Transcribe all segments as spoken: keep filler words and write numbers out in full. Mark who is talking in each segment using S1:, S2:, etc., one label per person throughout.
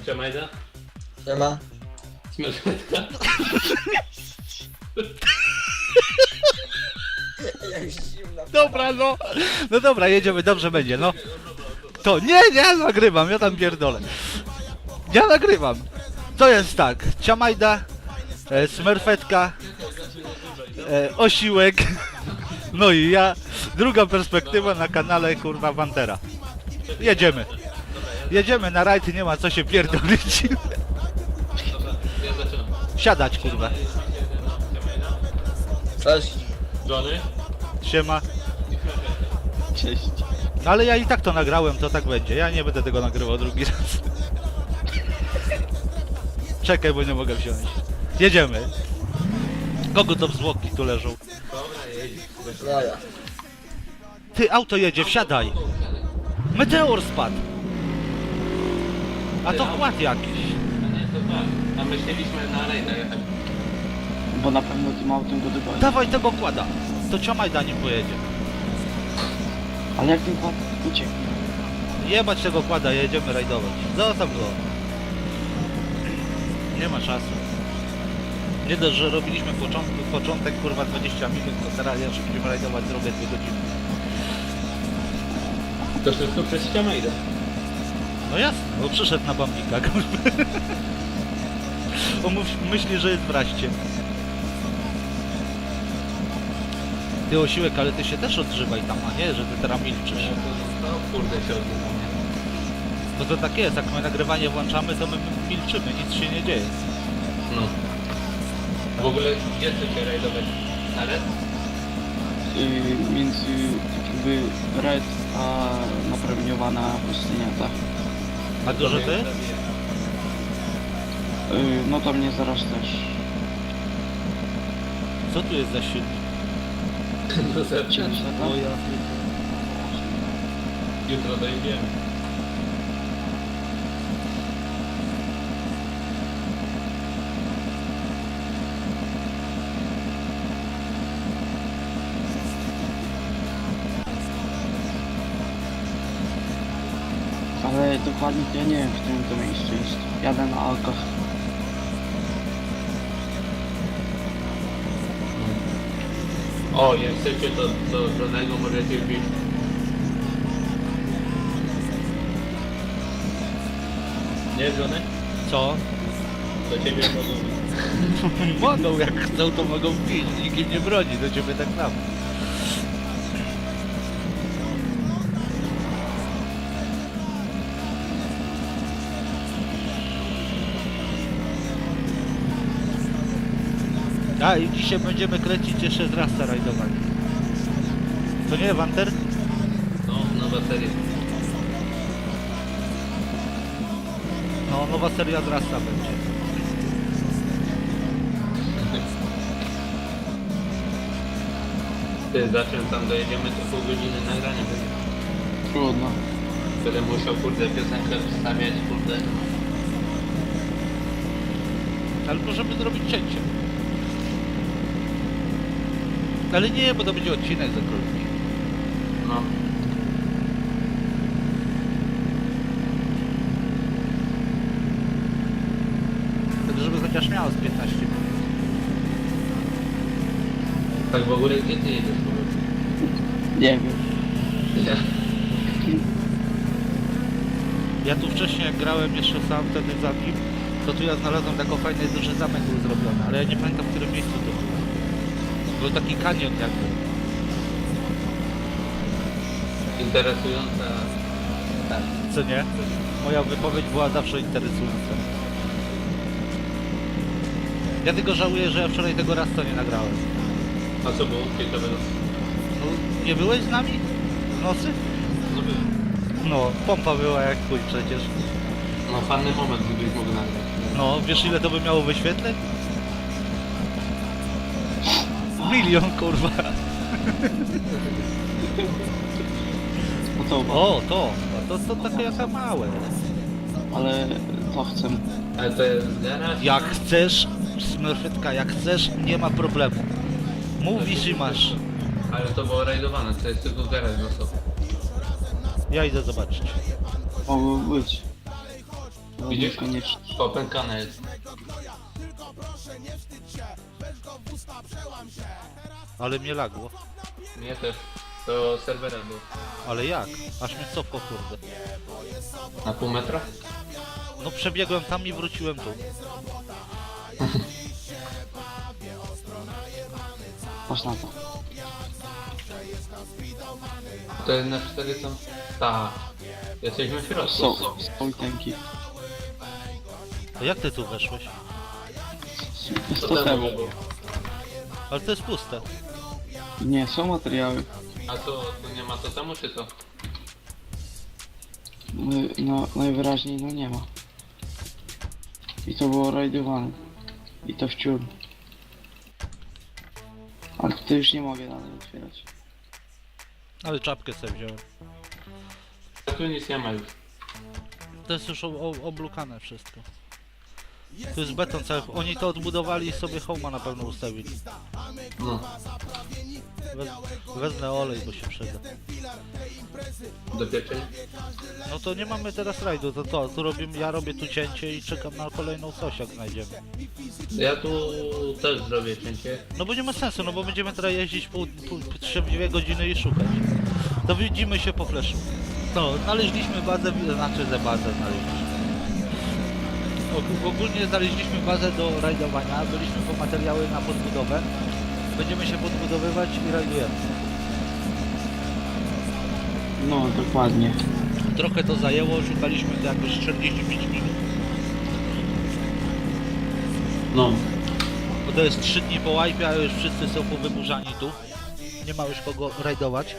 S1: Jamajda?
S2: Siema.
S1: Śmiertelka?
S2: Jak zimna.
S3: Dobra, no. No dobra, jedziemy, dobrze będzie, no. To nie, nie, ja nagrywam, ja tam pierdolę. Ja nagrywam. To jest tak, Ciamajda, e, Smurfetka, e, Osiłek, no i ja. Druga perspektywa na kanale, kurwa, Pantera. Jedziemy. Jedziemy na rajd, nie ma co się pierdolić.
S1: Dobra, ja zaczynam.
S3: Siadać, kurwa.
S2: Cześć.
S1: Johnny?
S3: Siema.
S4: Cześć.
S3: No ale ja i tak to nagrałem, to tak będzie. Ja nie będę tego nagrywał drugi raz. Czekaj, bo nie mogę wziąć. Jedziemy. Kogo to zwłoki tu leżą?
S1: Dobra, jedź.
S2: Ja, ja.
S3: Ty, auto jedzie, wsiadaj. Meteor spadł. A to kład jakiś.
S1: A nie, to tak. A myśleliśmy na rejdę jechać.
S4: Bo na pewno tym autem go dogoni.
S3: Dawaj tego kłada. To Ciamajda nim pojedzie.
S4: Ale jak ten kład uciekł?
S3: Jebać tego kłada, jedziemy rajdować. Zostaw go. Nie ma czasu. Nie dość, że robiliśmy początek, początek kurwa dwadzieścia minut, to teraz jeszcze będziemy rajdować drogę dwie godziny.
S1: To wszystko przez Jamajda.
S3: No jasne, bo przyszedł na bambika, kurwa. On mów- myśli, że jest w raście. Ty Osiłek, ale ty się też odżywaj tam, a nie, że ty teraz milczysz.
S1: No kurde się odbywa.
S3: Bo to tak jest, jak my nagrywanie włączamy, to my milczymy, nic się nie dzieje.
S1: No. W ogóle gdzie chcecie rajdować? Na red?
S4: Yy, między jakby Red a napromieniowana pustynia, tak?
S3: A dużo ty?
S4: Yy, no to mnie zaraz też.
S3: Co tu jest za silnik?
S1: No zaczynam.
S4: dziewięćdziesiąt,
S3: O ja.
S1: Jutro dojedziemy.
S4: Ale dokładnie to ja nie wiem, w którym to miejscu jest. Jadę na Alkach.
S1: O, jak chcecie to do żadnego możecie wbić. Nie, Johnny?
S3: Co?
S1: Do ciebie mogą.
S3: Mogą, jak chcą, to mogą pić. Nikim nie broni, do ciebie tak samo. A i dzisiaj będziemy kręcić jeszcze z Rasta rajdowanie. To nie, Wanter?
S1: No, nowa seria.
S3: No, nowa seria z Rasta będzie.
S1: Ty, zacząłem tam dojedziemy, to pół godziny nagrania będzie.
S4: Trudno.
S1: Będę musiał, kurde, piosenkę wstawiać, kurde.
S3: Ale możemy zrobić cięcie. Ale nie, bo to będzie odcinek za krótki.
S1: No.
S3: Tak, żeby chociaż miało z piętnaście minut.
S1: Tak w ogóle, gdzie ty jedziesz?
S4: Nie wiem.
S1: Ja.
S3: Ja tu wcześniej jak grałem jeszcze sam wtedy za nim, to tu ja znalazłem taką fajny duży zamek był zrobiony, ale ja nie pamiętam w którym miejscu to było. Był taki kanion jakby.
S1: Interesująca. Tak.
S3: Co nie? Moja wypowiedź była zawsze interesująca. Ja tylko żałuję, że ja wczoraj tego raz to nie nagrałem.
S1: A co było ciekawego?
S3: No, nie byłeś z nami? W nocy?
S1: No byłem.
S3: No, pompa była jak chuj przecież.
S1: No fajny moment, gdybyś mógł nagrać.
S3: No, wiesz ile to by miało wyświetleń? Milion, kurwa.
S4: No to,
S3: O, to. To, to takie jaka małe.
S4: ale to chcę.
S1: Ale to jest garaż?
S3: Jak chcesz, Smurfetka, jak chcesz, nie ma problemu. Mówisz i masz.
S1: Ale to było rajdowane, to jest tylko garaż na sobie.
S3: Ja idę zobaczyć.
S4: Mogło być. No,
S1: Widzisz?
S4: niekoniecznie.
S1: Popękane jest.
S3: Ale mnie lagło.
S1: Mnie też. To serwerem był.
S3: Ale jak? Aż mnie cofło, kurde.
S1: Na pół metra?
S3: No przebiegłem tam i wróciłem tu.
S4: Patrz na to.
S1: To jest na cztery są... Tak. Jesteśmy w środku.
S4: Są, są tanki.
S3: To jak ty tu weszłeś?
S1: To
S4: sto
S1: temu
S4: temu.
S1: było.
S3: Ale to jest puste.
S4: Nie, są materiały.
S1: A co, tu nie ma to temu czy co?
S4: My- No, najwyraźniej no nie ma. I to było rajdowane. I to wciąż. Ale to już nie mogę dalej otwierać.
S3: Ale czapkę sobie wziąłem.
S1: A tu nic nie ma już.
S3: To jest już o, o, oblukane wszystko. Tu jest beton cały. Oni to odbudowali i sobie home'a na pewno ustawili.
S1: No.
S3: Wez, wezmę olej, bo się przyda.
S1: Do pieczenia?
S3: No to nie mamy teraz rajdu, to co? Tu robimy, ja robię tu cięcie i czekam na kolejną coś, jak znajdziemy.
S1: Ja tu też zrobię cięcie.
S3: No bo nie ma sensu, no bo będziemy teraz jeździć pół, pół, trzy dwie godziny i szukać. To widzimy się po fleszu. No, znaleźliśmy bazę, znaczy ze bazę znaleźliśmy. Og- Ogólnie znaleźliśmy bazę do rajdowania, byliśmy po materiały na podbudowę. Będziemy się podbudowywać i rajdujemy.
S4: No, dokładnie.
S3: Trochę to zajęło, szukaliśmy to jakoś czterdzieści pięć minut.
S1: No.
S3: Bo to jest trzy dni po łajpie, a już wszyscy są powyburzani tu. Nie ma już kogo rajdować.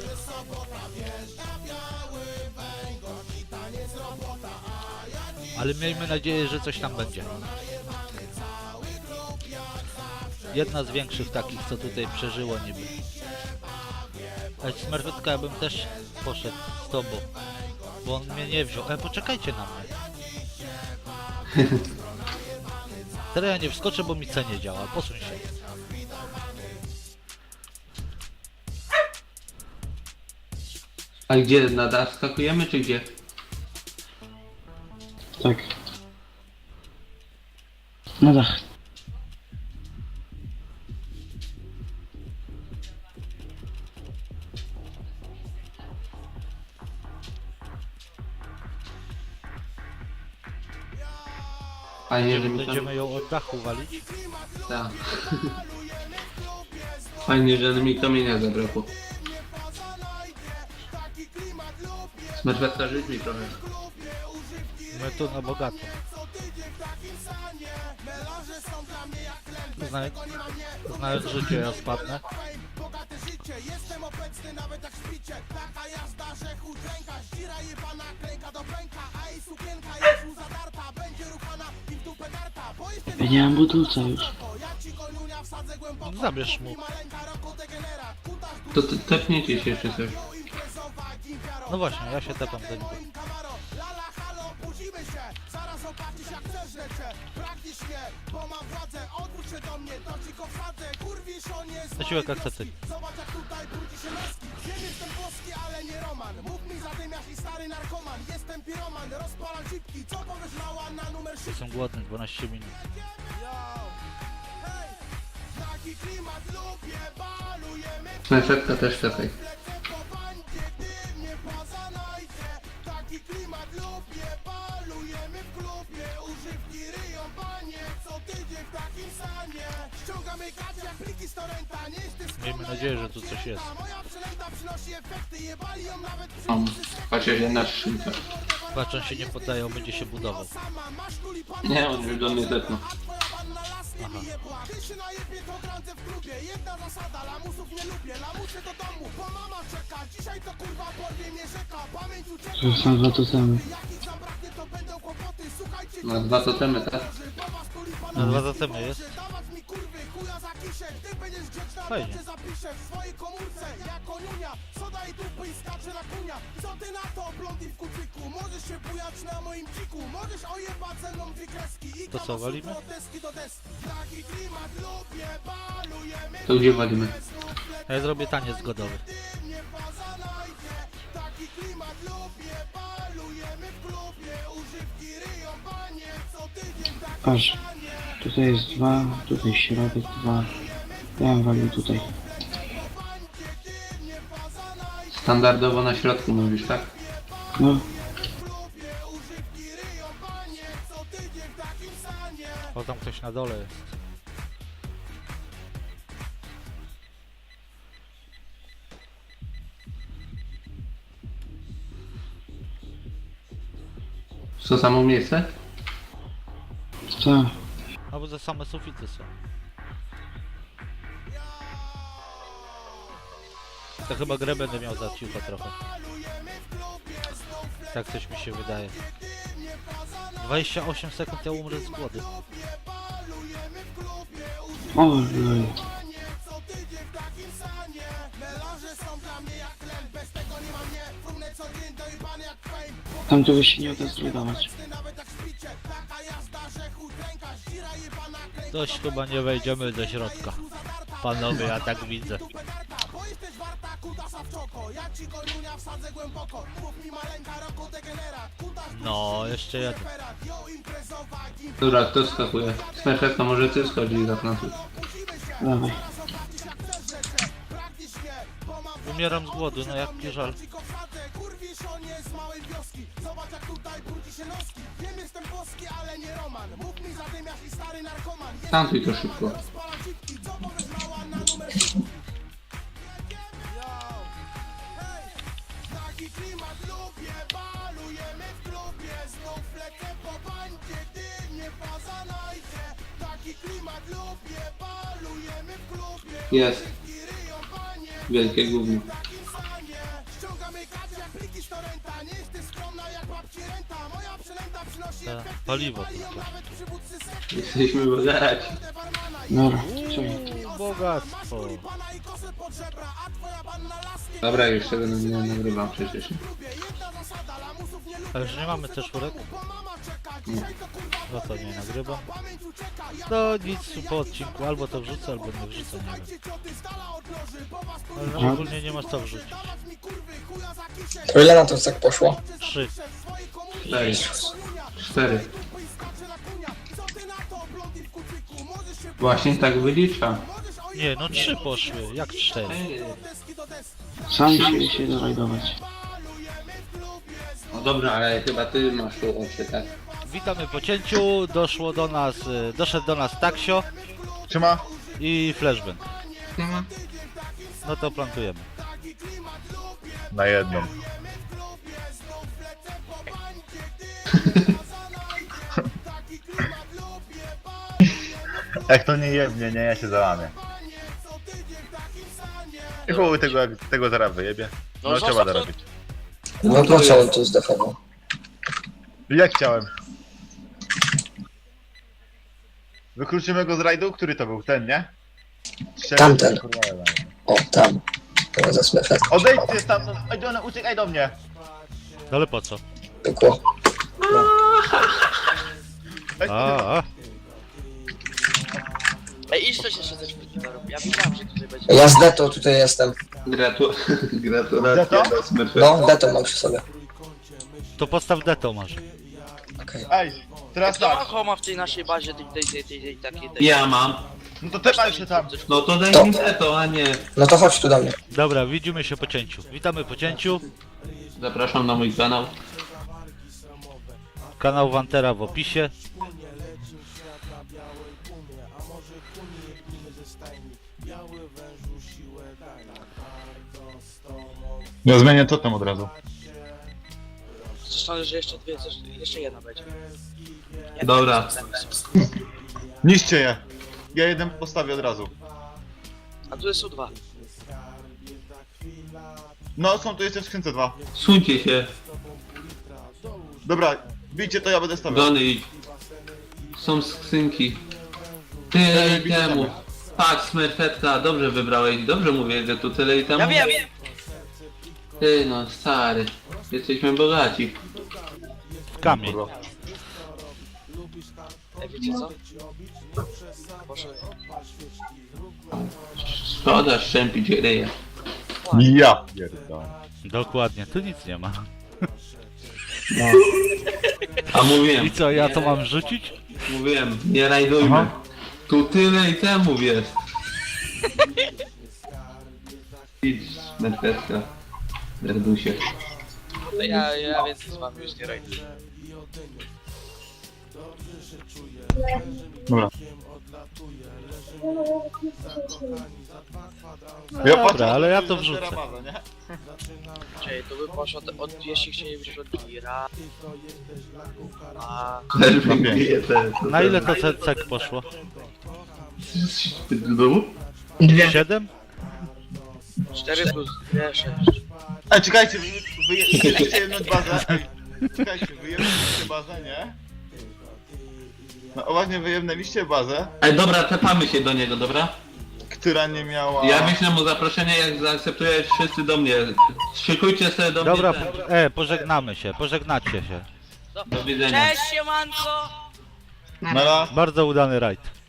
S3: Ale miejmy nadzieję, że coś tam będzie. Jedna z większych takich, co tutaj przeżyło niby. Ale Smerfetka, ja bym też poszedł z tobą. Bo on mnie nie wziął. E, poczekajcie na mnie. Teraz ja nie wskoczę, bo mi C nie działa. Posuń się.
S1: A gdzie? Na dach skakujemy czy gdzie?
S4: Tak. Na dach.
S1: Fajnie, że
S3: Będziemy,
S1: mi tam...
S3: będziemy ją od dachu walić.
S1: Tak. Fajnie, że mi kamienia zabrakło. Smerfetka, rzuć mi trochę.
S3: My tu na bogato. Znaj znając życie, ja spadnę.
S4: Ja nie mam budulca już.
S3: Zabierz mu.
S1: To te- tepnijcie się jeszcze coś.
S3: No właśnie, ja się tepam do niego. Zasiłek akceptuj. Jestem głodny, dwanaście minut.
S1: Smerfetka też tepaj.
S3: Miejmy nadzieję, że tu coś jest.
S1: Mam. Chociaż jedna skrzynka.
S3: Patrz, on się nie poddaje, on będzie się budował.
S1: Nie, on już do mnie zepnął.
S3: Aha.
S4: To są dwa totemy.
S1: Ma dwa totemy, tak?
S3: Na dwa zatemy jest. Fajnie. To co, walimy?
S1: To gdzie walimy?
S3: A ja zrobię taniec zgodowy.
S4: Patrz. Tutaj jest dwa, tutaj środek dwa. Ja bym walił tutaj.
S1: Standardowo na środku mówisz, tak?
S4: No,
S3: O, tam ktoś na dole jest.
S1: Co samo miejsce?
S4: tak.
S3: Albo za same sufity są. To chyba grę będę miał za ciucha trochę. Tak coś mi się wydaje. dwadzieścia osiem sekund, ja umrę z głodu.
S4: Ojej. Tam to by się nie uda zrujnować.
S3: Dość chyba nie wejdziemy do środka. Panowie, ja tak widzę. No, jeszcze jeden.
S1: Dobra, kto skakuje? Smerfetka, może ty schodzi za nas.
S4: Dawaj.
S3: Umieram z głodu, no jak żal.
S1: Tantuj to szybko. Jest. Wielkie gówno.
S3: Ta, paliwo tylko.
S1: Jesteśmy bogaci.
S4: Dobra, czekaj.
S3: Uuu, bogactwo.
S1: Dobra, już tego nie nagrywam przecież.
S3: A już nie mamy też czwórek? No to nie nagrywam. No nic po odcinku, albo to wrzucę, albo nie wrzucę, nie wiem. Ale ogólnie nie masz co wrzucić.
S2: To ile na to tak poszło?
S3: Trzy.
S1: Cztery. Cztery. Właśnie tak wylicza.
S3: Nie, no trzy poszły, jak cztery.
S4: Sami się się dorajdować.
S1: No dobra, ale chyba ty masz tu oczy, tak?
S3: Witamy po cięciu, doszło do nas, y, doszedł do nas Taksio
S5: Trzyma?
S3: i Flashbang. No to plantujemy.
S5: Na jedną. Jak to nie jebnie, nie, ja się załamię. I chuj tego, tego zaraz wyjebie. No,
S6: No,
S5: trzeba
S6: zostaw to.
S5: dorobić.
S2: No to co on tu zdefował?
S5: Jak chciałem. Wykluczymy go z rajdu? Który to był? Ten, nie? Strzelę,
S2: Tamten.
S5: kurwa, jebany.
S2: O, tam. To za smefet.
S5: Odejdźcie stamtąd, ej, do, uciekaj do mnie!
S3: No ale po co?
S2: Pykło.
S5: Ej,
S3: A, a.
S6: Ej, idź coś jeszcze ze szpilki to robi. Ja wiedziałem, że tutaj będzie.
S2: Ja z Deto tutaj jestem.
S1: Gratu... Gratulacje
S5: Deto?
S1: do Smurfetka.
S2: No, Deto mam przy sobie.
S3: To postaw deto masz.
S2: Okej.
S5: Ej, teraz
S6: Kto ma
S5: tak.
S6: homa w tej naszej bazie, tej, tej, tej, tej, tej, takiej, tej...
S1: Ja mam.
S5: No to tepaj się tam.
S1: No to daj
S2: To.
S1: mi to, a nie.
S2: No to chodź tu do mnie.
S3: Dobra, widzimy się po cięciu. Witamy po cięciu.
S1: Zapraszam na mój kanał.
S3: Kanał Wantera w opisie.
S5: Ja zmienię totem od razu.
S6: Zresztą, że jeszcze dwie, też- jeszcze jedna będzie. Jak
S1: Dobra.
S6: tam są?
S5: Niszcie je. Ja jeden postawię od razu.
S6: A tu są dwa.
S5: No, są tu jeszcze w skrzynce dwa.
S1: Suńcie się.
S5: Dobra, bijcie to, ja będę stawiał.
S1: Dony idź. Są skrzynki. Ty
S5: Ej,
S1: i temu. Tak, Smurfetka, dobrze wybrałeś. Dobrze mówię, że tu tyle i temu.
S6: Ja wiem, wiem!
S1: Ty no, stary. Jesteśmy bogaci.
S3: W kamień.
S6: Ej, wiecie co? Proszę.
S1: Szkoda szczępić ryja.
S5: Ja pierdolę.
S3: Dokładnie, tu nic nie ma.
S7: A mówiłem,
S3: I co, ja to mam rzucić?
S7: mówiłem, nie rajdujmy.
S5: Aha.
S7: Tu tyle i temu wiesz. Idź, meteczka. Derdusie.
S6: To ja, ja więcej z wami już nie rajduję.
S5: Dobra.
S3: No dobra, ale ja to wrzucę.
S5: Bazę, nie?
S6: Czyli to by poszło od, od jeśli chcielibyśmy od Gira. A
S7: Też
S5: Na
S7: mi
S5: pięć.
S7: bije te... te-
S3: Na ile to ce- cek poszło?
S7: Ty do domu?
S3: siedem?
S6: cztery plus dwie, sześć.
S5: Ej, czekajcie, wy, wy, wy chcecie jedną bazę? Ej, czekajcie, wyjemnęliście bazę, nie? No właśnie wyjemnęliście bazę,
S7: Ej, dobra, tepamy się do niego, dobra?
S5: która nie miała...
S7: Ja wyślę mu zaproszenie, jak zaakceptujesz wszyscy do mnie. Szykujcie sobie do
S3: Dobra,
S7: mnie.
S3: po- e, pożegnamy się, pożegnacie się.
S7: Do widzenia.
S6: Cześć, siemanko!
S5: Nara.
S3: Bardzo udany rajd.